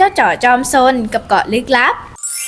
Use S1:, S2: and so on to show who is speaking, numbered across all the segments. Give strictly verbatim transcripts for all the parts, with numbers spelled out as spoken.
S1: จ๋อจอมซนกับเกาะลึกลับ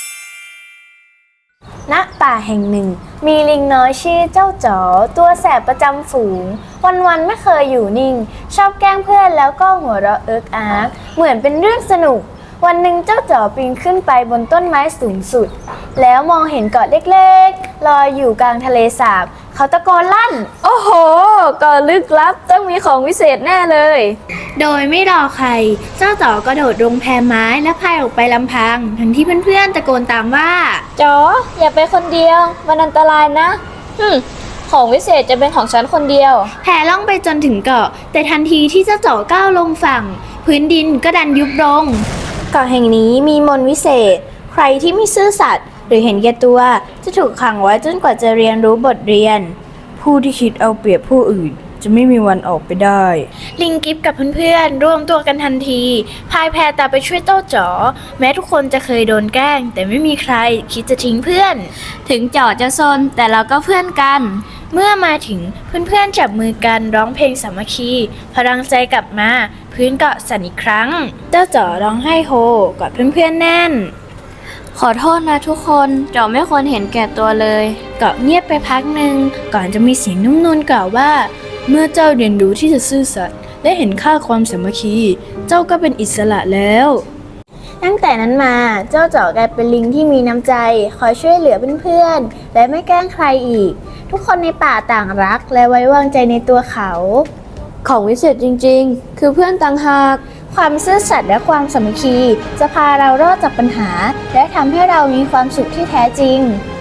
S1: ณป่าแห่งหนึ่งมีลิงน้อยชื่อเจ้าจ๋อตัวแสบประจำฝูงวันๆไม่เคยอยู่นิ่งชอบแกล้งเพื่อนแล้วก็หัวเราะเอิกอาร์กเหมือนเป็นเรื่องสนุกวันหนึ่งเจ้าจ๋อปีนขึ้นไปบนต้นไม้สูงสุดแล้วมองเห็นเกาะเล็กๆลอยอยู่กลางทะเลสาบเขาตะโกนลั่นโอ้โหเกาะลึกลับต้องมีของวิเศษแน่เลยโดยไม่รอใครเจ้าจ๋อกระโดดลงแพไม้และพายออกไปลำพังทั้งที่เพื่อนๆตะโกนตามว่าจ๋ออย่าไปคนเดียวมันอันตรายนะฮึของวิเศษจะเป็นของฉันคนเดียวแพล่องไปจนถึงเกาะแต่ทันทีที่เจ้าจ๋อก้าวลงฝั่งพื้นดินก็ดันยุบลงเกาะแห่งนี้มีมนต์วิเศษใครที่ไม่ซื่อสัตย์หรือเห็นแก่ตัวจะถูกขังไว้จนกว่าจะเรียนรู้บทเรียนผู้ที่คิดเอาเปรียบผู้อื่นจะไม่มีวันออกไปได้ลิงกิฟกับเพื่อนๆร่วมตัวกันทันทีพายแพตามไปช่วยเจ้าจ๋อแม้ทุกคนจะเคยโดนแกล้งแต่ไม่มีใครคิดจะทิ้งเพื่อนถึงจ๋อจะซนแต่เราก็เพื่อนกันเมื่อมาถึงเพื่อนๆจับมือกันร้องเพลงสามัคคีพลังใจกลับมาพื้นเกาะสั่นอีกครั้งเจ้าจ๋อร้องไห้โฮกอดเพื่อนๆแน่นขอโทษนะทุกคนจ๋อไม่ควรเห็นแก่ตัวเลยเกาะเงียบไปพักหนึ่งก่อนจะมีเสียงนุ่มนวลกล่าวว่าเมื่อเจ้าเรียนรู้ที่จะซื่อสัตย์และเห็นค่าความสามัคคีเจ้าก็เป็นอิสระแล้วตั้งแต่นั้นมาเจ้าจ๋อกลายเป็นลิงที่มีน้ำใจคอยช่วยเหลือเพื่อนๆและไม่แกล้งใครอีกทุกคนในป่าต่างรักและไว้วางใจในตัวเขาของวิเศษจริงๆคือเพื่อนต่างหากความซื่อสัตย์และความสามัคคีจะพาเรารอดจากปัญหาและทำให้เรามีความสุขที่แท้จริง